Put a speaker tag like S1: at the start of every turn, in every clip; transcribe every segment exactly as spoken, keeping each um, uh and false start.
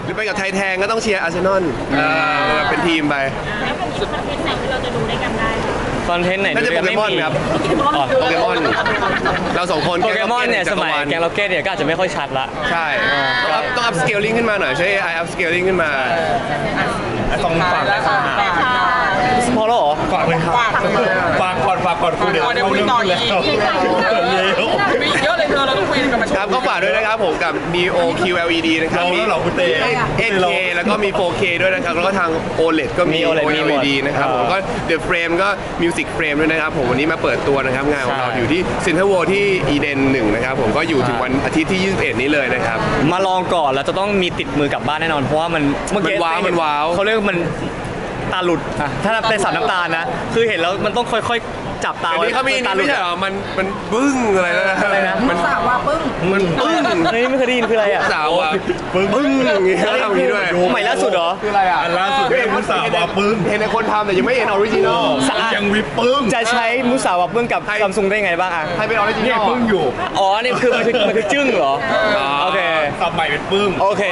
S1: หรือไปกับไทยแทงก็ต้องเชียร์อาร์เซนอลเป็นทีมไป
S2: แล้วมันมีคอนเทนต์ไหนที่เราจะดูได้กันได้
S3: คอนเทนต์ไหน
S1: น่าจะโปเกมอนครับโปเกมอนเราสองคน
S3: โปเกมอนเนี่ยสมัยแกงล็อกเก็ตเนี่ยก็อาจจะไม่ค่อยชัดละ
S1: ใช่ต้องอัพต้องอัพสเกลลิ่งขึ้นมาหน่อยใช่ไออัพสเกลลิ่งขึ้นมา
S4: สองฝั่ง
S3: พอแล้วเหรอ
S4: ฝากเลยครับฝากก่อนฝากก่อนคุยเดี๋ยวเขาเรื่องแล้ว
S5: มีเยอะเลยเธอเราต้องคุยกันมา
S1: ครับก็ฝากด้วยนะครับผมกับ Neo คิว แอล อี ดี นะครับ
S4: มีแล้วเหรอคุณเต้
S1: เอ เค แล้วก็มี โฟร์เค ด้วยนะครับแล้วก็ทาง โอ แอล อี ดี ก็มี โอ แอล อี ดี นะครับผมก็ The Frame ก็ Music Frame ด้วยนะครับผมวันนี้มาเปิดตัวนะครับงานของเราอยู่ที่ Central World ที่ Eden หนึ่งนะครับผมก็อยู่ถึงวันอาทิตย์ที่ยี่สิบเอ็ดนี้เลยนะครับ
S3: มาลองก่อนแล้วจะต้องมีติดมือกลับบ้านแน่นอนเพราะว่ามันเมื่อกี้
S1: ว้าวมันว้าว
S3: เขาเรียกมันตาหลุดอ่ะถ้าเป็นสาวน้ำตาลนะคือเห็นแล้วมันต้องค่อยๆจับตา
S1: ไว้เขามีนี่ไม่ใช่เหรอมันมันปึ้งอะไรนะ
S3: อะไรนะ
S1: มัน
S2: สาวว่าปึ้ง
S1: มันปึ้ง
S3: เฮ้ยไม่เคยได้ยินคืออะไรอ่ะ
S1: สาวอ่ะปึ้งปึ้งอย่างงี้ทำนี้ด้วย
S3: ใหม่ล่าสุดเหรอ
S1: คืออะไรอ่ะ
S4: ล่าสุดเป็นมุสาวาปึ้ง
S1: เห็นในคนทำแต่ยังไม่เห็นออริจินอล
S4: ยังวิปปึ้ง
S3: จะใช้มุสาวาปึ้งกับซัมซุงได้ไงบ้างอ่ะ
S1: ใครเป็นออริจินอล
S4: เนี่ยปึ้งอยู่
S3: อ๋อนี่คือมันคือมันคือจึ้งเหรอโอเค
S4: สับใหม่เป็นปึ้ง
S3: โอเค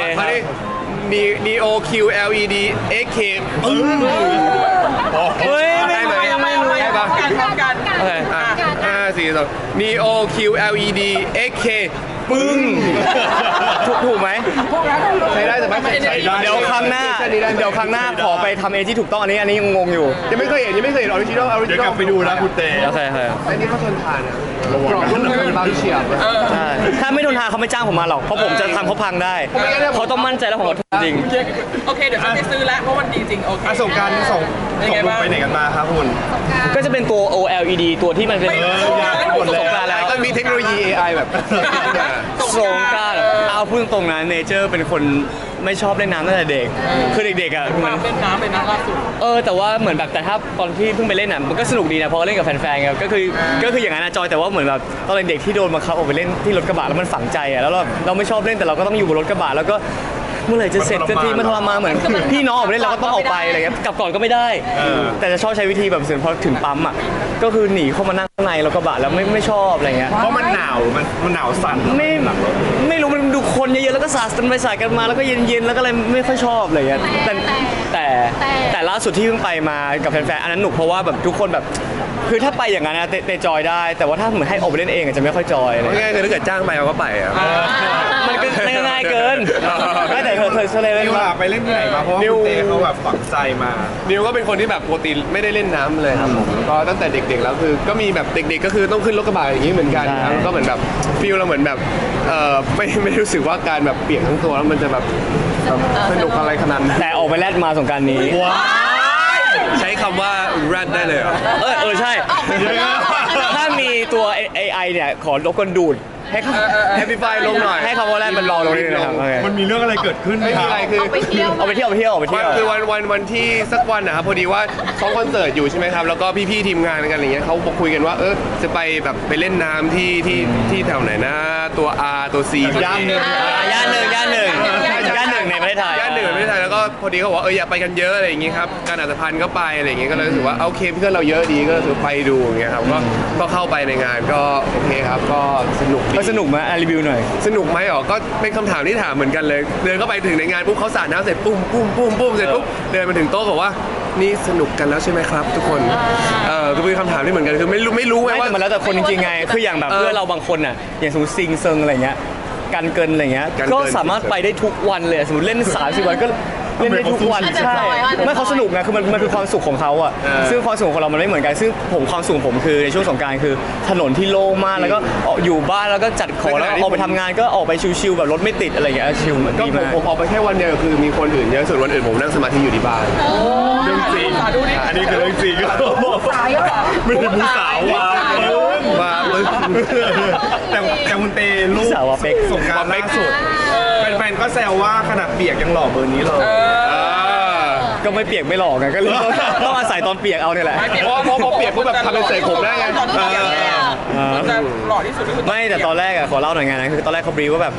S1: Neo คิว แอล อี ดี เอ เค ปึ้ง
S3: เฮ้ยไม่
S1: ไหม
S3: ไม่
S1: ไม่ได้ปะ
S5: กัน
S3: โอเค
S1: ห้าสี่สอง Neo คิว แอล อี ดี เอ เค ปึ้ง
S3: ถูกถูกไหม
S1: ใช้ได้แต่ไม่ใช้ได้
S3: เดี๋ยวครั้งหน้าเดี๋ยวครั้งหน้าขอไปทำเองที่ถูกต้องอันนี้อันนี้งงอยู่
S1: ยังไม่เคยเห็นยังไม่เคยเห็นออริจินอลออริจินอล
S4: เดี๋ยวกลับไปดูนะคุณเต้
S3: โอเคโอเค
S1: อันนี้เขาทนทานนะกรอบนุ่มบางเฉียบ
S3: ใช่ถ้าไม่ทนทานเขาไม่จ้างผมมาหรอกเพราะผมจะทำเขาพังได้เขาต้องมั่นใจแล้วผมก็จริง
S5: โอเคเดี๋ยวฉันไปซื้อแล้วเพราะมันดีจริงโอเค
S4: ส่งการส่งส่งไปไหนกันมาครับคุณ
S3: ก็จะเป็นตัว โอ แอล อี ดี ตัวที่มันเป็น
S1: สงกรานต์แล้วก็มีเทคโนโลยี เอ ไอ แบบ
S3: สงกรานต์เอาพูดตรงๆนะเนเจอร์เป็นคนไม่ชอบเล่นน้ำตั้งแต่เด็กคือเด็กๆอ่ะ
S5: มันเล่นน้ำเป็นน้ำล่าสุด
S3: เออแต่ว่าเหมือนแบบแต่ถ้าตอนที่เพิ่งไปเล่นอ่ะมันก็สนุกดีนะเพราะเล่นกับแฟนๆครับก็คือก็คืออย่างนั้นนะจอยแต่ว่าเหมือนแบบตอนเด็กที่โดนบังคับออกไปเล่นที่รถกระบะแล้วมันฝังใจอ่ะแล้วเราเราไม่ชอบเล่นแต่เราก็ต้องอยู่บนรถกระบะแล้วก็เมื่อไหร่จะเสร็จสักทีมันทรมานเหมือนพี่น้องออกไปเล่นเราก็ต้องออกไปอะไรเงี้ยกลับก่อนก็ไม่ได้แต่จะชอบใช้วิธีแบบเสร็จพอถึงปั๊มอ่ะก็คือหนีเข้ามานั่งข้างในรถกระบะแล้วไม่ไม่ชอบอะไรเงี้ย
S4: เพราะมันหนาวมันมันหนาวสั่น
S3: ไม่ไม่รู้มันดูคนเยอะๆแล้วก็สาดกันไปสาดกันมาแล้วก็เย็นๆแล้วก็อะไรไม่ค่อยชอบอะไรเงี้ยแต่แต่แต่ล่าสุดที่เพิ่งไปมากับแฟนๆอันนั้นหนุกเพราะว่าแบบทุกคนแบบคือถ้าไปอย่างนั้นนะเตจอยได้แต่ว่าถ้าเหมือนให้ออกไปเล่นเองจะไม่ค่อยจอย
S1: เลยง่ายๆคือถ้าเกิดจ้างไปเราก็ไปอ่ะ
S3: มันก็ง่ายเกินไม่แต่เธอเธอเล่น
S4: นิวไปเล่นที่ไหนมาเพราะว่าเต้เขาแบบฝังใจมา
S1: นิวก็เป็นคนที่แบบปกติไม่ได้เล่นน้ำเลยครับผมก็ตั้งแต่เด็กๆแล้วคือก็มีแบบเด็กๆก็คือต้องขึ้นรถกระบะอย่างนี้เหมือนกันครับก็เหมือนแบบฟีลเราเหมือนแบบเออไม่ไม่รู้สึกว่าการแบบเปียกทั้งตัวแล้วมันจะแบบสนุกอะไรขนาดนั้น
S3: แต่ออกไปแลดมาสงกรานต์นี้
S1: ใช้คำว่า rat ได้เลยเหรอ
S3: เออเออใช่ถ้ามีตัว เอ ไอ เนี่ยขอรบกวนดูดให้
S1: แฮปปี้ไฟลงหน่อย
S3: ให้คำว่าแรกมันรอลงนิดนึงนะครับ
S4: มันมีเรื่องอะไรเกิดขึ้นไหมครับ
S1: อะไรคือ
S2: เอาไปเที่ยว
S3: เอาไปเที่ยวไปเที่ยวไปเที่ยว
S1: คือวันวันวันที่สักวันนะครับพอดีว่าซ้อมคอนเสิร์ตอยู่ใช่ไหมครับแล้วก็พี่ๆทีมงานกันอะไรเงี้ยเขาบอกคุยกันว่าเออจะไปแบบไปเล่นน้ำที่ที่ที่แถวไหนนะตัว R ตัว C
S4: ย่านหนึ่ง
S3: ย่านหนึ่งย่านหนึ่งย่านหนึ่งในประเทศไทย
S1: ย่านหนึ่งในประเทศไทยแล้วก็พอดีเขาบอกว่าเอออยากไปกันเยอะอะไรอย่างเงี้ยครับการอัตภัณฑ์ก็ไปอะไรอย่างเงี้ยก็เลยรู้สึกว่าโอเคเพื่อนเราเยอะดีก็ถือไปดูอย่างเงี้ยครับก็ก็เข้าไปในงานก็โอเคครับก็สนุก
S3: ก็สนุกไหมรีวิวหน่อย
S1: สนุกไหมอ๋อก็เป็นคำถามที่ถามเหมือนกันเลยเดินเข้าไปถึงในงานปุ๊บเขาสาดน้ำเสร็จปุ้มปุ้มปุ้มปุ้มเสร็จปุ๊บเดินมาถึงโต๊ะบอกว่านี่สนุกกันแล้วใช่ไหมครับทุกคนเออก็เป็นคำถามที่เหมือนกันคือไม่รู้ไม่รู้ไงว่า
S3: มันแล้วแต่คนจริงๆไงคืออย่างแบบเพื่อนเราบางคนอ่ะอย่างสมมติซิงเซิงอะไรเงี้ยกันเกินอะไรเงี้ยก็สามารถไปได้ทุกวันเลยสมมติเล่นสามสิบวันก็เล่นได้ทุกวันใช่ไม่เขาสนุกไงคือมันมันคือความสุขของเขาอ่ะซึ่งความสุขของเรามันไม่เหมือนกันซึ่งผมความสุขผมคือในช่วงสงกรานต์คือถนนที่โล่งมากแล้วก็อยู่บ้านแล้วก็จัดของแล้วออกไปทำงานก็ออกไปชิลๆแบบรถไม่ติดอะไรอย่างเงี้ยชิล
S1: ก็ผมผมออกไปแค่วันเดียวคือมีคนอื่นเยอะส่วนวันอื่นผมนั่งสมาธิอยู่ที่บ้าน
S4: เรื่องจริงอันนี้คือเรื่องจริงไม่ได้ผู้สาวว่า
S1: ว่า
S4: แต่แต่คุณเตลูกสงกรานต์ล่าสุดแฟนๆก็แซวว่าขนาดเปียกยังหล่อเบอร์นี้เลย
S3: ก็ไม่เปียกไม่หลอกไงก็เลยต้องอาศัยตอนเปียกเอาเนี่ยแหละ
S1: เพราะเพราะเปียกพวกแบบทำเป็นเสกผมได้ไง
S5: มันจะหล่อที่สุด
S3: ไม่แต่ตอนแรกอะขอเล่าหน่อยไงนะคือตอนแรกเขาบรีว่าแบบ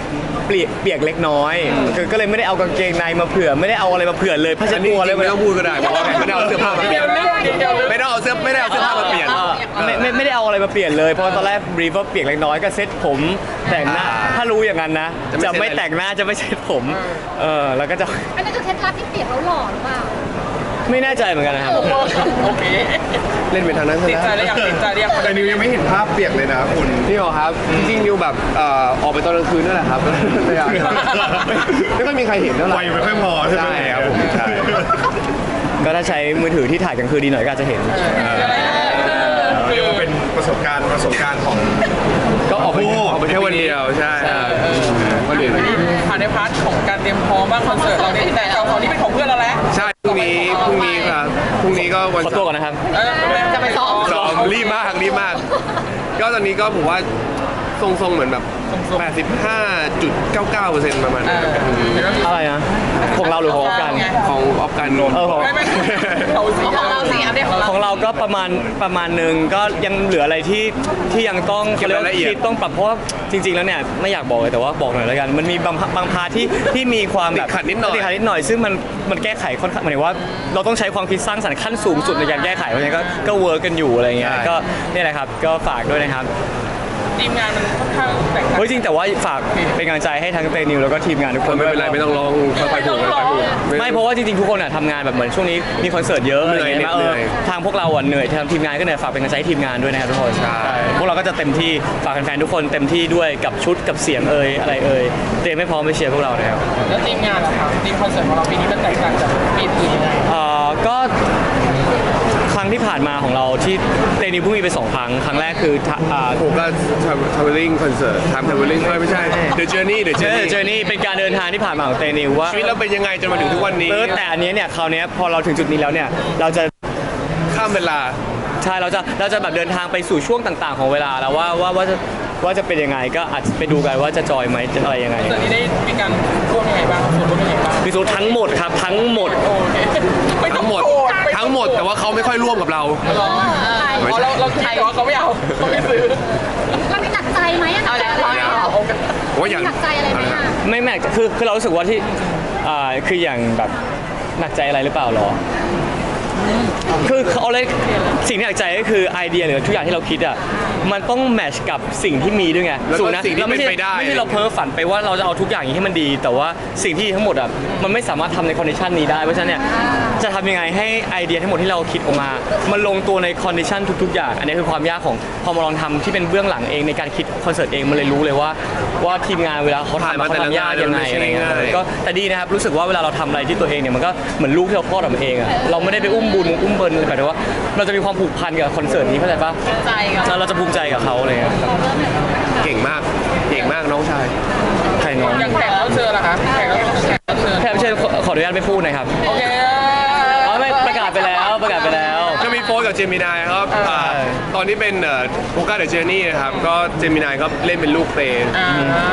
S3: เปียกเปียกเล็กน้อยคือก็เลยไม่ได้เอากางเกงในมาเผื่อไม่ได้เอาอะไรมาเผื่อเลยผ้าเช็
S1: อั
S3: ด
S1: นนี้
S3: ตัว
S1: จ
S3: เล
S1: ริ
S3: ย
S1: งๆไม่ต้องพูดก็ได้เพราะว่าไม่ได้เอาเสื้อผ้ามาเปลี่ยน
S5: เดี๋ยวนึกเดี๋ยวนึก
S1: ไม่ต้องเอาเสื้อไม่ได้เอาเสื้อผ้ามาเปลี่ยน
S3: เออไม่ไม่ไม่ได้เอาอะไรมาเปลี่ยนเลยเพราะตอนแรกบรีฟว่าเปียกเล็กน้อยก็เซ็ตผมแต่งหน้า
S1: อ่า
S3: ถ้ารู้อย่างนั้นนะ
S1: จะ
S3: จะ
S1: ไม่
S3: ไม่
S1: เซ็ตอะไร
S3: แต่งหน้าจะไม่เซ็ตผมเออแล้วก็จะ
S2: อันนั้นคือเคล็ดลับที่เปียกแล้วหล่อหรือเปล่า
S3: ไม่แน่ใจเหมือนกันนะครับ
S5: โอเค
S1: เล่นเป็นทางนั้นซะ
S5: ติดใจ
S1: แล้ว
S5: ได้ยังติดใจได้ยัง
S4: แต่นิวยังไม่เห็นภาพเปียกเลยนะคุณ
S1: นี่เหรอครับจริงๆนิวแบบเอ่อออกไปตอนกลางคืนนั่นแหละครับไม่อยากไม่ไม่ค่อยมีใครเห็นเท่าไหร่
S4: ไฟไม่ค่อยพอใช่ไหม
S1: ใช่ครับผมใช่
S3: ก็ถ้าใช้มือถือที่ถ่ายกลางคืนดีหน่อยก็อาจจะเห็น
S4: เรียกว่าเป็นประสบการณ์ประสบการณ์ของ
S1: ก็ออกไป
S4: โอ้
S1: ออกไปแค่วันเดียวใช่ครับวันเดียว
S5: ผ่านในพาร์ทของการเตรียมพร้อมบ้างคอนเสิร์ตเราเนี่ยแต่ของนี้เป็นของเพื่อนเราแล้ว
S1: ใช่พรุ่งนี้พรุ่งนี้ครับพรุ่งนี้ก็วัน
S3: ขอตัวก่อนนะครับ
S5: เออจะไปซ้อม
S1: สองรีบมากรีบมาก ก็ตอนนี้ก็ผมว่าทรงๆเหมือนแบบ แปดสิบห้าจุดเก้าเก้าเปอร์เซ็นต์ ประมาณนั้นครับ
S3: อะไรนะของเราหรือของกัน
S1: ของออฟกันนนท์
S3: เออของ
S5: ไม่ไม่เราสีของเราสีอันเดียวของเรา
S3: ของเราก็ประมาณประมาณหนึ่งก็ยังเหลืออะไรที่ที่ยังต้องเขาเรียกว่าที่ต้องปรับเพราะว่าจริง ๆ แล้วเนี่ยไม่อยากบอกเลยแต่ว่าบอกหน่อยแล้วกัน มันมีบางบางพาร์ทที่ที่มีความแบบ
S1: ติดขัดนิดหน่อย
S3: ติดขัดนิดหน่อยซึ่งมันมันแก้ไขค่อนข้างหมายถึงว่าเราต้องใช้ความคิดสร้างสรรค์ขั้นสูงสุดในการแก้ไขเพราะฉะนั้นก็ก็เวิร์กกันอยู่อะไรเงี้ยก็นี่แหละครับก็ฝากด้วยนะครับ
S5: ทีมงานมันค่อนข้างแตกต่าง
S3: เฮ้ยจริงแต่ว่าฝากเป็นกำลังใจให้ทั้งเตนิวแล้วก็ทีมงานทุกคน
S1: ไม่เป็นไรไม่ต้องร้องค่อยๆพูดค่อยๆพูด
S3: ไม่เพราะว่าจริงๆทุกคนอ่ะทำงานแบบเหมือนช่วงนี้มีคอนเสิร์ตเยอะอะไรเงี้ย
S1: เหนื่อย
S3: เออ
S1: เหนื่อย
S3: ทางพวกเราอ่ะเหนื่อยทางทีมงานก็เหนื่อยฝากเป็นกำลังใจให้ทีมงานด้วยนะครับทุกคน
S1: ใช่
S3: พวกเราก็จะเต็มที่ฝากแฟนๆทุกคนเต็มที่ด้วยกับชุดกับเสียงเอ่ยอะไรเอ่ยเตรียมให้พร้อมไปเชียร์พวกเรานะครับ
S5: แล้วทีมงานล่ะครับทีมคอนเสิร์ตของเราปีนี้มันแตกต่างจากปีอื่นยังไง
S3: เอ่อก็ครั้งที่ผ่านมาของเราที่เตนิวเพิ่งมีไปสองครั้งครั้งแรกคือทะอ่า
S1: ผมก็ traveling concert time traveling ไม่ใช่ The Journey The
S3: เจอ
S1: Journey
S3: เจอนี่เป็นการเดินทางที่ผ่านมาของเตนิวว่า
S1: ชีวิตเราเป็นยังไงจนมาถึงทุกวันนี้
S3: เออแต่อันเนี้ยเนี่ยคราวเนี้ยพอเราถึงจุดนี้แล้วเนี่ยเราจะ
S1: ข้ามเวลา
S3: ใช่เราจะเราจะแบบเดินทางไปสู่ช่วงต่างๆ ของเวลาแล้วว่าว่าว่าจะว่าจะเป็นยังไงก็อาจจะไปดูกันว่าจะจอยไหมจะอะไรยังไง
S5: คอนเสิร์ตนี้ได้มีการร่วมยังไงบ้างส่วนร่วมยังไงบ้าง
S3: มีสูตรทั้งหมดครับทั้งหมด
S5: โอเคไม่ต้อ
S1: ทั้
S5: ง
S1: งหมด
S5: โกรธไ
S1: ทั้งหมดแต่ว่าเขาไม่ค่อยร่วมกับเรา
S5: หรออ๋อเราเราคิดแต่ว่าเขาไม่เอาเขาไม่ซื้อ
S2: เรามีหนักใจไหมอะหนักใจอะไรไหมอะ
S1: ผมว่าอย่าง
S2: หนักใจอะไรไหมอะ
S3: ไม่แม็กคือคือเรารู้สึกว่าที่อ่าคืออย่างแบบหนักใจอะไรหรือเปล่าหรอคือเขาเลยสิ่งที่หนักใจก็คือไอเดียหรือทุกอย่างที่เราคิดอ่ะมันต้องแมทช์กับสิ่งที่มีด้วยไง
S1: แล้วก็
S3: ถูนะ
S1: สิ่งที่
S3: เราไม่ใช่
S1: เป็นไปได้
S3: ไม่ใช่เราเพ้อฝันไปว่าเราจะเอาทุกอย่างอย่างที่มันดี แต่ว่าสิ่งที่ทั้งหมดอ่ะมันไม่สามารถทำในคอนดิชันนี้ได้เพราะฉะนั้นเนี่ยจะทำยังไงให้ไอเดียทั้งหมดที่เราคิดออกมา มันลงตัวในคอนดิชันทุก ๆ อย่าง อันนี้คือความยากของพอมาลองทำที่เป็นเบื้องหลังเองในการคิดคอนเสิร์ตเองมันเลยรู้เลยว่าว่าทีมงานเวลาเขา
S1: ผ่าน
S3: ทำ
S1: มา
S3: เขา
S1: แต่ละ
S3: ทำยากยังไง
S1: งาน
S3: อะไรเงี้ย
S1: ไม่ใช่ง่าย
S3: ก็แต่ดีนะครับรู้สึกว่าเวลาเราทำอะไรที่ตัวเองเนี่ยมันก็เหมือนลูกที่เราคลอดออกมาเองอ่ะเราไม่ได้ไปอุ้มบุญอุ้มเบิร์นแต่ว่าเราจะมีความผูกพันกับคอนเสิร์ตนี้เข้าใจปะ
S2: ใจกับ
S3: แล้วเราจะภูมิใจกับเขาเลยครับ
S1: เก่งมากเก่งมากน้องชาย
S3: ใครน้อง
S5: อย่างแขกรับเชิญล่ะคะแขกรับแขกรับเชิญ
S3: แค่เชิญขอขออนุญาตไม่พูดหนะครับ
S5: โอเค
S3: อ๋อไม่ประกาศไปแล้วประกาศไปแล้ว
S1: ก็มีโฟร์กับเจมินายครับอ่าตอนที่เป็นโฟกัสเดอะเจอร์นี่นะครับก็เจมินายก็เล่นเป็นลูกเตน
S5: อ่า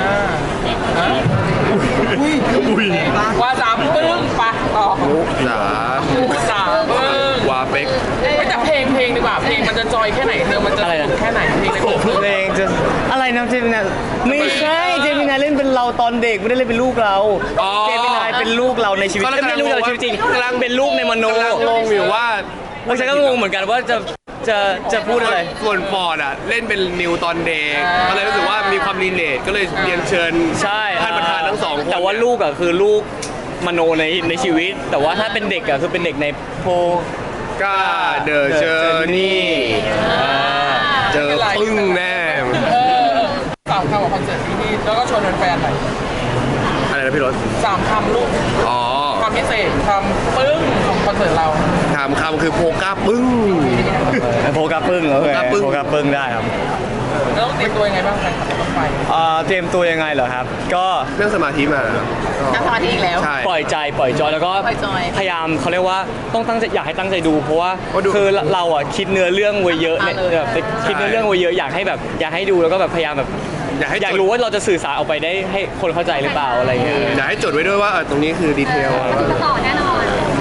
S5: ว่าสามปึ้งปะต่อ
S1: มุกหลา
S5: สามปึ้ง
S1: วาเป็ก
S5: ไม่แต่เพลงเพลงดีกว่าเพลงมันจะจอยแค่ไหนเธอมันจะสนุกแค่ไหนเพลงในคอนเสิร์ต
S3: เพลงจะอะไรนะเจมินายไม่ใช่เจมินายเล่นเป็นเราตอนเด็กไม่ได้เล่นเป็นลูกเราเจมินายเป็นลูกเราในชีวิตไม่ใช่ลูกเราในชีวิตจริงกำลังเป็นลูกในมโน
S1: กำลังงงอยู่ว่า
S3: แล้วฉันก็งงเหมือนกันว่าจะจะจะพูดอะไร
S1: ส่วนฟอร์ดอ่ะเล่นเป็นนิวตอนเด็กก็เลยรู้สึกว่ามีความรีเลทก็เลยเรียนเชิญ
S3: ใช่
S1: ท่านประธานทั้งสองคน
S3: แต่ว่าลูกอ่ะคือลูกมโนในในชีวิต แต่ว่าถ้าเป็นเด็กอ่ะคือเป็นเด็กในโพ
S1: ก้าเดอะเจอร์นี่เจอปึ้งแน่
S5: เออสามคำของคอนเสิร์ตที่นี่แล้วก็ชวนแฟนๆหน่อย
S1: อะไรนะพี่รถ
S5: สามคำลูก
S1: อ๋อ
S5: ความพิเศษความปึ้งของคอนเสิร์ตเรา
S1: ถามคำคือโพก้าปึ้ง
S3: โพกาปึ้งโอเค
S1: โพกาปึ้ง
S3: โพกาปึ้งได้ครับ
S5: แล้วต้องเตรียมตัวยังไงบ้างแฟนคลับรถไฟ
S3: เอ่อเตรียมตัวยังไงเหรอครับ ก็
S1: เรื่องสมาธิมาครับ
S2: นั่งสมาธิอีกแล้ว
S1: ใช่
S3: ปล่อยใจปล่อยจอยแล้วก็
S2: ปล่อยจอย
S3: พยายามเขาเรียกว่าต้องตั้งใจอยากให้ตั้งใจดูเพราะว่า
S1: เพราะดู
S3: คือเราอ่ะคิดเนื้อเรื่องไว้เยอะเนี่ย
S2: อ่าเลย
S3: แบบคิดเนื้อเรื่องไว้เยอะอยากให้แบบอยากให้ดูแล้วก็แบบพยายามแบบ
S1: อยากให้
S3: อยาก
S1: จด
S3: รู้ว่าเราจะสื่อสารออกไปได้ให้คนเข้าใจหรือเปล่าอะไรเงี้ย
S1: อยากให้จดไว้ด้วยว่าเออตรงนี้คือดีเทล
S2: ต่อแน่นอน
S5: อย่าง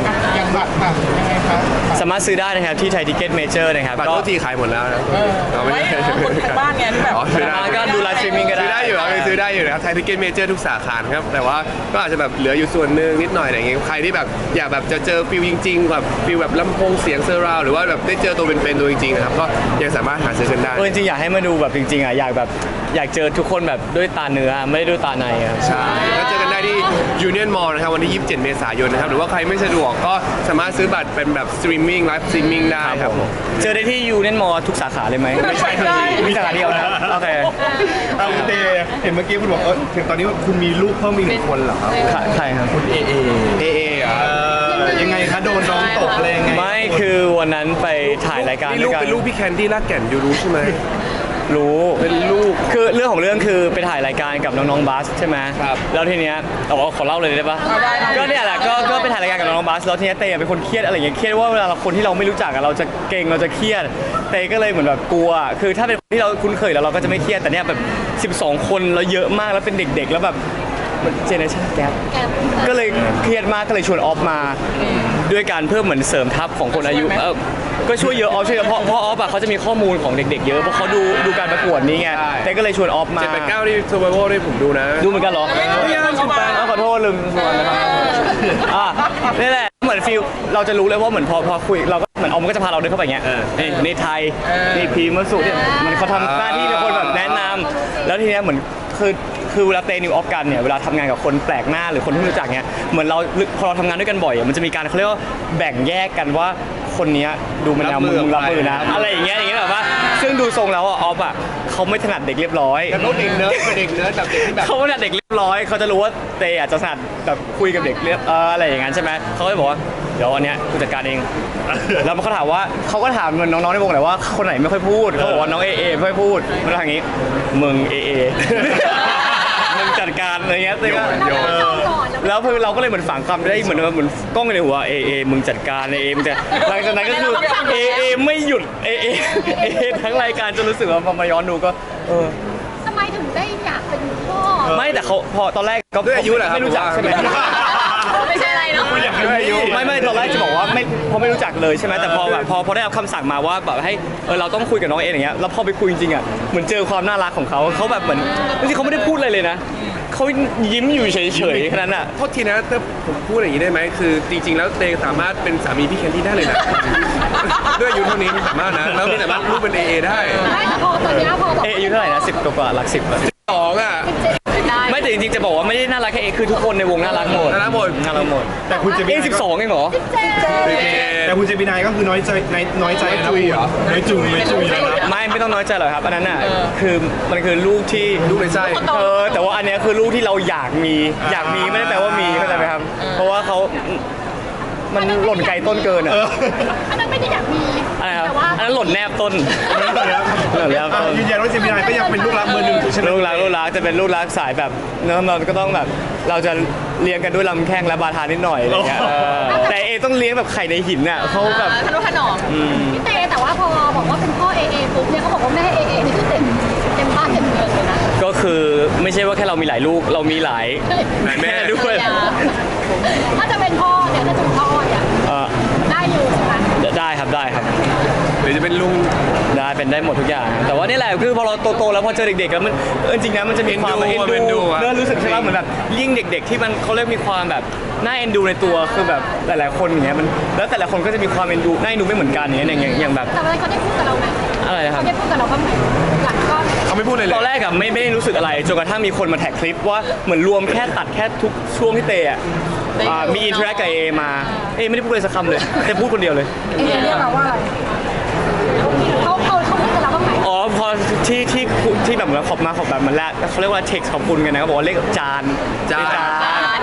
S4: บัตรบัตรยังไงครับ
S3: สามารถซื้อได้นะครับที่ไทยทิเก็ตเมเจอร์นะครับ
S1: บัตร
S3: ก็
S1: โทษทีขายหมดแล้วนะเอาไม่
S5: ไม่
S1: ใช่
S5: คนทางบ้านไงที่แบบ
S1: อ๋อซื้อได้
S3: ก็ดูไลฟ์สตรีมมิ่งก็ได้
S1: ซื้อได้อยู่ครับยังซื้อได้อยู่นะครับไทยทิเก็ตเมเจอร์ทุกสาขาครับแต่ว่าก็อาจจะแบบเหลืออยู่ส่วนหนึ่งนิดหน่อยอะไรอย่างเงี้ยใครที่แบบอยากแบบจะเจอฟิลจริงๆแบบฟิลแบบลำโพงเสียงเซอร์ราวหรือว่าแบบได้เจอตัวเป็นๆตัวจริงๆนะครับก็ยังสามารถหาซื้อกันได้
S3: เออจริงๆอยากให้มาดูแบบจริงๆอ่ะอยากแบบอยากเจอทุกคนแบบด้วยตาเนื้อไม่ได้ด้วยตาในครับ
S1: ใช่ก็เจอกันได้ที่ Union Mall นะครับวันที่ ยี่สิบเจ็ด เมษายนนะครับ หรือว่าใครไม่สะดวกก็สามารถซื้อบัตรเป็นแบบสตรีมมิ่งไลฟ์สตรีมมิ่งได้ครับผม
S3: เจอได้ที่ยูเนียนมอทุกสาขาเลยไหม
S5: ไม่ใช่
S3: มีสาขาเดียวนะโอเค
S4: เอาคุณเตเห็นเมื่อกี้คุณบอกเออถึงตอนนี้คุณมีลูกเพิ่มอีกหนึ่งคนเหรอครับ
S3: ใครครับ
S4: คุณเอเอ
S1: เอเออ่ะ
S4: เออยังไงคะโดนน้องตกอะไรยังไง
S3: ไม่คือวันนั้นไปถ่ายรายการ
S1: นี่
S3: ด้
S1: ลู
S3: ว
S1: ก
S3: ยกัน
S1: เป็นลูกพี่แคนดี้ลากแก่นอยู่รู้ใช่ไหม
S3: รู้
S1: เป็นลูก
S3: คือเรื่องของเรื่องคือไปถ่ายรายการกับน้องๆบัสใช่ไหม
S1: ครับ
S3: แล้วทีเนี้ยแต่ว่าขอเล่าเลยได้ปะก็เนี่ยแหละก็ก็ไปถ่ายรายการกับน้องๆบัสแล้วทีเนี้ยเตยเป็นคนเครียดอะไรอย่างเงี้ยเครียดว่าเวลาเราคนที่เราไม่รู้จักอะเราจะเก่งเราจะเครียดเตยก็เลยเหมือนแบบกลัว คือถ้าเป็นคนที่เราคุ้นเคยแล้วเราก็จะไม่เครียดแต่เนี่ยแบบสิบสองคนแล้วเยอะมากแล้วเป็นเด็กๆ แล้วแบบเจเนอเรชั่นแก
S2: แก
S3: ก็เลยเครียดมากก็เลยชวนออฟมา ด้วยการเพิ่มเหมือนเสริมทัพของคนอายุเออก็ช่วยเยอะออฟช่วยเยอะเพราะเพราะออฟอะเขาจะมีข้อมูลของเด็กๆเยอะเพราะเขาดูดูการประกวดนี้ไง
S1: ใช่
S3: แต่ก็เลยชวนออฟมา
S1: เจ็ดแปดเก้าที่ซูเปอร์โบว์ด้วยผมดูนะ
S3: ดูเหมือนกันเหรอ
S5: ไม่รู้ยังเข้ามา
S3: เอาขอโทษลืมชวนนะครับอ่ะนี่แหละเหมือนฟิลเราจะรู้เลยว่าเหมือนพอพอคุยเราก็เหมือนออมก็จะพาเราเดินเข้าไปอย่างเงี้ยนี่ในไทยนี่พีมสุเนี่ยมันเขาทำหน้าที่เป็นคนแบบแนะนำแล้วทีเนี้ยเหมือนคือคือเวลาเตนิวออฟกันเนี่ยเวลาทำงานกับคนแปลกหน้าหรือคนที่ไม่รู้จักเนี่ยเหมือนเราพอเราทำงานด้วยกันบ่อยอะมันจะมีการเขาเรียกว่าแบ่งแยกกันว่าคนเนี้ยดูมันแนวมึงมึงรับมือนะอะไรอย่างเงี้ยอย่างเงี้ยแบบว่าซึ่งดูทรงแล้วอะออฟอะเขาไม่ถนัดเด็กเรียบร้อย
S1: แต่เขาเด็กเนิร์ดเป็นเด็กเนิร์ดแบบเด็กที่แบบ
S3: เขาไม่ถนัดเด็กเรียบร้อยเขาจะรู้ว่าเตอาจจะถนัดแบบคุยกับเด็กเรียบเอออะไรอย่างงั้นใช่ไหมเขาก็เลยบอกว่าเดี๋ยวอันเนี้ยกูจัดการเอง แล้วมันเขาถามว่าเขาก็ถามน้องๆในวงแหละว่าคนไหนไม่ค่อยพูดเขาบอกว่าน้องเอเอไม่ค่อยพูดมันทางนี้มึงเอเอ มึงจัดการอะไรเงี้ยเต้ก็
S1: โยน
S2: เราก่อน
S3: แล้วคือเราก็เลยเหมือนฝังคำได้เหมือนเหมือนกล้องในหัวเอเอมึงจัดการเอเอมึงจะหลังจากนั้นก็คือเอเอไม่หยุดเอเอเอเอทั้งรายการจนรู้สึกว่าพอมาย้อนดูก็เออ
S2: ทำไมถึงได้อยากเป็นพ่อ
S3: ไม่แต่เขาพอตอนแรกก็
S1: ด้วยอายุเหรอครับ
S3: ไม่รู้จักใช่ไหม
S2: ไม่ใช่อะไรเนาะ
S1: ด้วยอายุ
S3: ไม่ไม่ตอนแรกจะบอกว่าไม่เพราะไม่รู้จักเลยใช่ไหมแต่พอแบบพอพอได้รับคำสั่งมาว่าแบบให้เออเราต้องคุยกับน้องเออย่างเงี้ยแล้วพอไปคุยจริงๆอ่ะเหมือนเจอความน่ารักของเขาเขาแบบเหมือนจริงๆเขาไม่ได้พูดอะไรเลยนะเขายิ้มอยู่เฉยๆแค่นั้นอ่ะ
S1: โทษทีนะแต่ผมพูดอย่างนี้ได้ไหมคือจริง ๆ แล้วเตงสามารถเป็นสามีพี่แคนดี้ได้เลยนะ ด้วยอายุเท่านี้สามารถนะแล้วนี่สามารถลูกเป็นเอเอได้
S2: ไม่แต่พอตอนเนี้ยพอบอก
S3: เออายุเท่าไหร่นะสิบกว่าๆหลักสิบอะ
S1: สองอ่ะ
S2: ได้
S3: ไม่แต่จริงๆจะบอกว่าไม่ได้น่ารักแค่เอคือทุกคนในวงน่ารักหมด
S1: น่ารักหมด
S3: น่ารักหมด
S4: แต่คุณเจมิ
S3: เอ
S4: นา
S3: สิบสองเองเหรอ
S2: เจ๊
S4: แต่คุณเจมินายก็คือน้อยใจน้อยใจนะ
S1: น้อยจุยเหรอ
S4: น้อยจุยน้อยจุยนะ
S3: ไม่ไม่ต้องน้อยใจหรอกครับอันนั้นน่ะคือมันคือลูกที่
S1: ลูกในไส้
S3: เออแต่ว่าอันเนี้ยคือลูกที่เราอยากมีอยากมีไม่ได้แปลว่ามีเข้าใจไหมครับ เพราะว่าเขามันหล่นไกลต้นเกินอ่ะ
S2: อันนั้นไม่ได้อยากมี
S3: อะไรครับ
S2: แต่ว่า
S3: อันนั้นหล่นแนบต้นหล่นแนบ
S4: อ่ะ
S3: ต้น
S4: ยืนยันว่าเจมินายก็ยังเป็นลูกรักเบอร์หนึ่งอยู่ใช่ไหม
S3: ลูกรักลูกรักจะเป็นลูกรักสายแบบเนื้อเราก็ต้องแบบเราจะเลี้ยงกันด้วยลำแข้งและบาทานิดหน่อยอะไรเงี้ยเออแต่เอต้องเลี้ยงแบบไข่ในหินอ่ะเขาแบบ
S2: ขนมขนมพี่เต้แต่ว่าพอบอกว่าเป็นพ่อเอเอปุ๊บเนี่ยเขาบอกว่าแม่เอเอนี่คือเต็มเต็มบ้านเต็มเมืองเลยนะ
S3: ก็คือไม่ใช่ว่าแค่เรามีหลายลูกเรามีหลาย
S1: หลายแม่
S3: ด้วย
S2: ถ้าจะเป็นพ่อเนี่ยถ้าจะเป็นพ่อเนี่ย
S3: เออ
S2: ได้อยู่ใช่ไหม
S3: ได้ครับได้ครับ
S1: หรือจะเป็นลุง
S3: ได้เป็นได้หมดทุกอย่าง แต่ว่านี่แหละคือพอเราโตๆแล้วพอเจอเด็กๆแล้วมันเออจริงๆนะมันจะมีความ
S1: เอ็นดู
S3: เอ็น
S1: เอ็นดู
S3: ดู
S1: อะ
S3: เนื้อรู้สึกใช่ไหมเหมือนแบบยิ่งเด็ก ๆ ที่มันเขาเรียกมีความแบบน่าเอ็นดูในตัวคือแบบหลายๆคนอย่างเงี้ยมันแล้วแต่ละคนก็จะมีความเอ็นดูน่าเอ็นดูไม่เหมือนกันอย่างเงี้ยอย่างอย่างอย่างแบบ
S2: แต่วันนั้นเขาได้พูดกับเราไหม
S3: อะไรนะครั
S2: เขา
S3: บ
S2: ได้พูดกับเราบ้างไหมหลังก็
S1: เขาไม่พูดเลยเล
S3: ตอน
S1: ย
S3: แรกอะไม่ไม่ได้รู้สึกอะไรจนกระทั่งมีคนมาแท็กคลิปว่าเหมือนรวมแค่ตัดแค่ทุกช่วงที่เตะอะอ่ามีอินเทอร์แอคกับเอมาเอไม่ได้พูดเลยสักคำเลยแต่พูดคนเดียวเลย
S2: เอเรียกเราว่าอะไรเขาเขาเขาพูดกับเราบ้างไหม
S3: อ๋อพอที่ที่ที่แบบเหมือนขอบมาขอบแบบมันแรกเขาเรียกว่าเท็กซ์ขอบคุณกันนะเขาบอกว่าเรียกจาน
S1: จาน
S3: จาน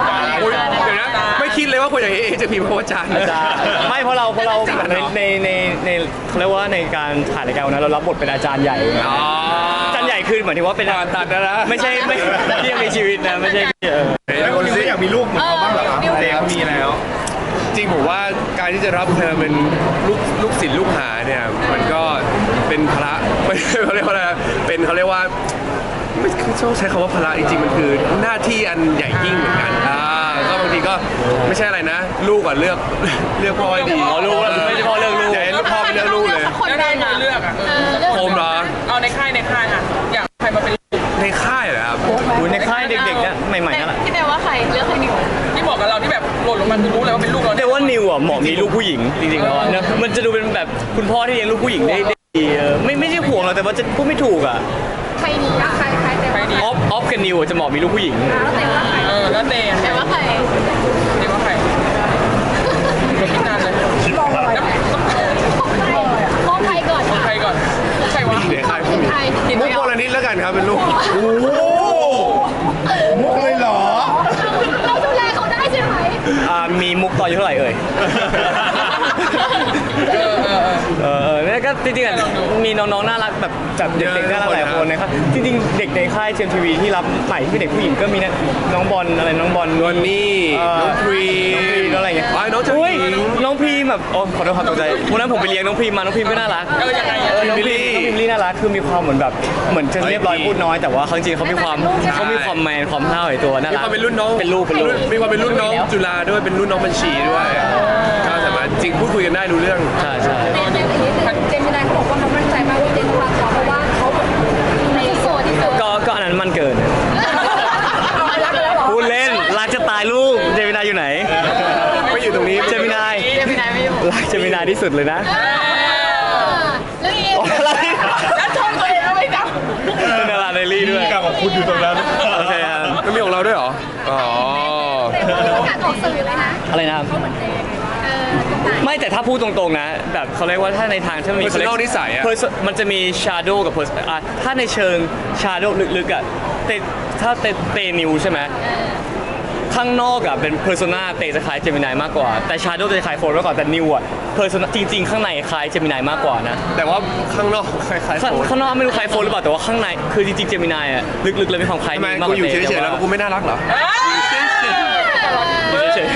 S1: โอ้ยเดี๋ยวนะไม่คิดเลยว่าคนอย่างเอเอจะพิมพ์คำว่าจาน
S3: จานไม่เพราะเราเพราะเราในในในในเขาเรียกว่าในการถ่ายรายการวันนั้นเรารับบทเป็นอาจารย์ใหญ่
S1: อ๋อ
S3: อาจารย์ใหญ่คือหมายถึงว่าเป็น
S1: ผ่านตัดนะนะ
S3: ไม่ใช่ไม่ที่ยังมีชีวิตนะไม่ใช่เออ
S4: แล้วคุณไม่อยากมีลูกเหมือนเขาบ้างเหรอครับเตเขามีแล้ว
S1: จริงผมว่าการที่จะรับเธอเป็นลูกลูกศิษย์ลูกหาเนี่ยมันก็เป็นพระไม่ใช่เขาเรียกว่าอะไรเป็นเขาเรียกว่าไม่ต้องใช้คำว่าพระจริงๆมันคือหน้าที่อันใหญ่ยิ่งเหมือนกันอ่าก็มันางทีก็ไม่ใช่อะไรนะ ลูกอ่ะเลือกเลือกพ่อให้ดี
S3: อ๋อลูกว่าไม่ใช่พ่อเลือกลูก
S1: อย่าให้พ่อไปเลือกลูกเลย
S5: แล้วได้มาเลือกอ่ะเออ
S1: ผมเหรอ
S5: เอาในค่ายในค่ายอ่ะอยากใครมาเป็นลูก
S1: ในค่ายเหรอครับ
S3: อยู่ในค่ายเด็กๆเนี่ยใหม่ๆนั่นแหละ
S2: พี่เต้ว่าใครเลือกใครดีกว่า
S5: ที่บอกกับเราที่แบบหล่นลงมาคือรู้เลยว่าเป็นลูกเรา
S3: แต่ว่านิวอ่ะเหมาะมีลูกผู้หญิงจริงๆแล้วอะเนอะมันจะดูเป็นแบบคุณพ่อที่เลี้ยงลูกผู้หญิงได้ได้ดีเออไม่ไม่ใช่ห่วงหรอกแต่ว่าจะพูดไม่ถูกอ่ะ
S2: ใครดีอะใครใครเต้ว่าใคร
S3: ออฟออฟกับนิวอะจะเหมาะมีลูกผู้หญิง
S2: แล้วเต้ว่าใคร
S5: เออแล้วเตะ
S2: เต้ว่าใคร
S5: เตะว่าใครคิดนานเลย
S2: มองใครก่อน
S5: ใครก่อนใครวะ
S1: เด็กค่าย
S2: ใคร
S1: มุกโบราณิตแล้วกันครับเป็นลูก
S4: มุกเลยเหรอ
S2: เราดูแลเขาได้ใช่ไหม
S3: อ่ามีมุกต่ออายู่เท่าไหร่เอ่ย
S5: เออเออเออ
S3: เออเออเนี่ยก็จริงๆอ่ะมีน้องๆน่ารักแบบแบบเด็กๆน่ารักหลายคนนะครับจริงๆเด็กในค่ายเจมทีวีที่รับใหม่ที่เป็นเด็กผู้หญิงก็มีนะน้องบอลอะไรน้องบอล
S1: นวลนี่
S3: เอ่อ
S1: น้องพรี
S3: น้องพรีน้องอะไรเงี้ย
S1: อ๋อน้องเจ้าห
S3: อุ้ย
S1: ญิง
S3: น้องพรีแบบโอ้ขอโทษครับตกใจวันนั้นผมไปเลี้ยงน้องพรีมาน้องพรีก็น่ารัก
S5: เออยังไง
S3: เอ
S5: อะ
S3: อน้องพรีน้องพรีน่ารักคือมีความเหมือนแบบเหมือนจะเรียบร้อยพูดน้อยแต่ว่าเขาจริงๆเขามีความเขามีความแมนความห้าวในตัวน่า
S1: มี
S3: รัก
S1: ความเป็นรุ่นน้อง
S3: เป็นลูกเป็นลูก
S1: มีความเป็นรุ่นน้องจุฬาด้วยเป็นรุ่นน้องบัญชีด้วยก็สามารถจริงพูดคุยกันได้รู้เรื่อง
S3: ใช่ใช่
S2: เต้เต้อย่างนี้เจมินายเขาบอกว่าเขามั่นใจมากว่าเต้ต้องรักเขาเพราะว่าเขาในโซนที่สุด
S3: ก็ก็อันนั้นมันเกิน
S2: รักแล้วเหรอ
S3: พูดเล่นรักจะตายลูกเจมินายอยู่ไหน
S1: ไม่อยู่ตรงนี้
S3: เจมินาย
S2: เจมินายไม่อยู่
S3: รักเจมินายที่สุดเลยนะ
S2: แล้วอีก
S3: อะไร
S2: แล้วชมตัวเองไม่จ
S3: เป็นดาราเดลี่ด้วย
S4: กับของคุณอยู่ตรงนั้น
S3: โอเคครับ
S1: แล้วมีของเราด้วยเหรออ๋อ
S2: ำแต่ว่าประกาศออกสื่อเลยนะ
S3: อะไรนะครับ
S2: เขาเหมือนเต้เออตรงไหน
S3: ไม่แต่ถ้าพูดตรงๆนะ แบบเขาเรียกว่าถ้าในทางที่มันมี
S1: Personal นิสัยอะ
S3: Perso- มันจะมี shadow กับ person อ่ะถ้าในเชิง shadow ลึกๆอ่ะเตถ้าเตเตนิวใช่ไหมข้างนอกอ่ะเป็น persona เตจะคล้ายเจมินายมากกว่า แต่ shadow จะคล้ายโฟนมากกว่าแต่นิวอ่ะ persona จริงๆ ข้างในคล้ายเจมินายมากกว่านะ
S1: แต่ว่าข้างนอกคล้ายๆ
S3: ข้าง
S1: โฟน
S3: ข้างนอกไม่รู้คล้ายโฟนหรือเปล่าแต่ว่าข้างในคือจริงๆเจมินายอ่ะลึกๆเลยมีความคล้าย
S1: ทำไม
S3: นิวมากก
S1: กู
S3: ว่า
S1: อยู่
S3: เต
S1: เฉยๆแล้วกูไม่น่ารักเหรอ
S3: อยู่เฉย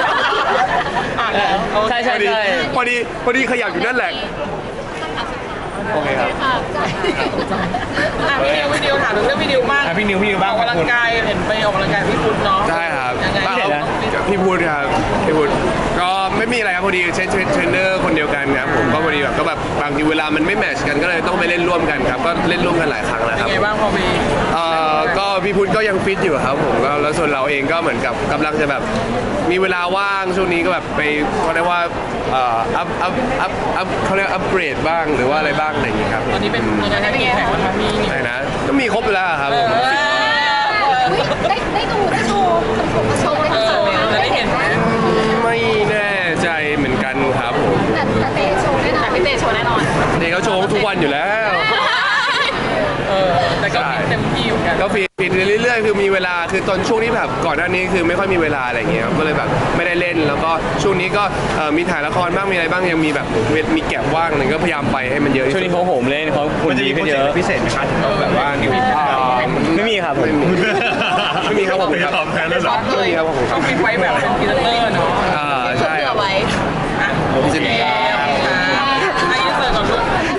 S3: ๆใช่ใช่
S1: พอดี
S3: ใช่
S1: พอดีพอดีขยับอยู่นั่นแหละ โอเคครับ
S2: ค่ะ
S5: อ่ะพี่นิวพี่นิวถามถึงเรื่องพี่นิวบ้าง
S4: อ่ะพี่นิวพี่นิวบ้าง
S5: ออกกำลังกายเห็นไปออกกำลังกายพี่พุทธเนาะ
S1: ใช่ครับ
S5: ยังไง
S1: บ้าครับพี่พูดครับพี่พูดก็ไม่มีอะไรครับพอดีเทรนเทรนเนอร์คนเดียวกันครับผมก็พอดีแบบก็แบบบางทีเวลามันไม่แมทช์กันก็เลยต้องไปเล่นร่วมกันครับก็เล่นร่วมกันหลายครั้งแล้ว
S5: เป็
S1: คน รับ
S5: ไงบ้างพอมี
S1: เอ่อก็พี่พุทธก็ยังฟิตอยู่ครับผมก็แล้วส่วนเราเองก็เหมือนกับกำลังจะแบบมีเวลาว่างช่วงนี้ก็แบบไปเขาเรียกว่าเอ่ออัพอัพอัพอัพเขาเรียกอัพเกรดบ้างหรือว่าอะไรบ้างอะไรอย่างงี้ครับ
S5: ตอนนี้เป็นยังไงนะกี่แข่งแล้วคะพี่นิว
S1: ไหนนะก็มีครบอยู่แล้วครับผม
S2: ได้ได้ดูได้ดูผมมาโชว์ได้
S5: เอ
S2: ดู
S5: อจะได้เห็นไหม
S1: ไม่แน่ใจเหมือนกันครับผม
S2: แต่แต่เตะโชว์แน่นอนพี่เตะโชว์แน่นอน
S1: เด็กเขาโชว์ทุกวันอยู่แล้ว
S5: เออแต่ก็ฟิตเต็มที่เหมือนกัน
S1: ก็ฟีดเรื่อยๆ คือมีเวลา คือตอนช่วงที่แบบก่อนหน้านี้คือไม่ค่อยมีเวลาอะไรเงี้ยครับก็เลยแบบไม่ได้เล่น แล้วก็ช่วงนี้ก็เอ่อมีถ่ายละครบ้าง มีอะไรบ้าง ยังมีแบบมีแก็บว่างหนึ่งก็พยายามไปให้มันเยอะที่
S3: ช่วง
S1: สุด
S3: นี้เขาโหมเล่นเขาคุณ
S4: มันจะ
S3: ดี
S4: มีโป
S3: ขึ้
S4: ร
S3: น
S4: เจ
S3: เย
S4: ก
S3: อะ
S4: ต์พิเศษไหมคะถึงเราแบบว่านิว
S1: อ่า
S3: ไม่มีครับผม
S1: ไม่มีไม่มีครับผมครับ
S4: ไม่ยอมแพ้แล้วเหร
S5: ช็
S4: อ
S5: อตเลยเขาฟิตไว้แบบเป็นพรีเซนเตอร์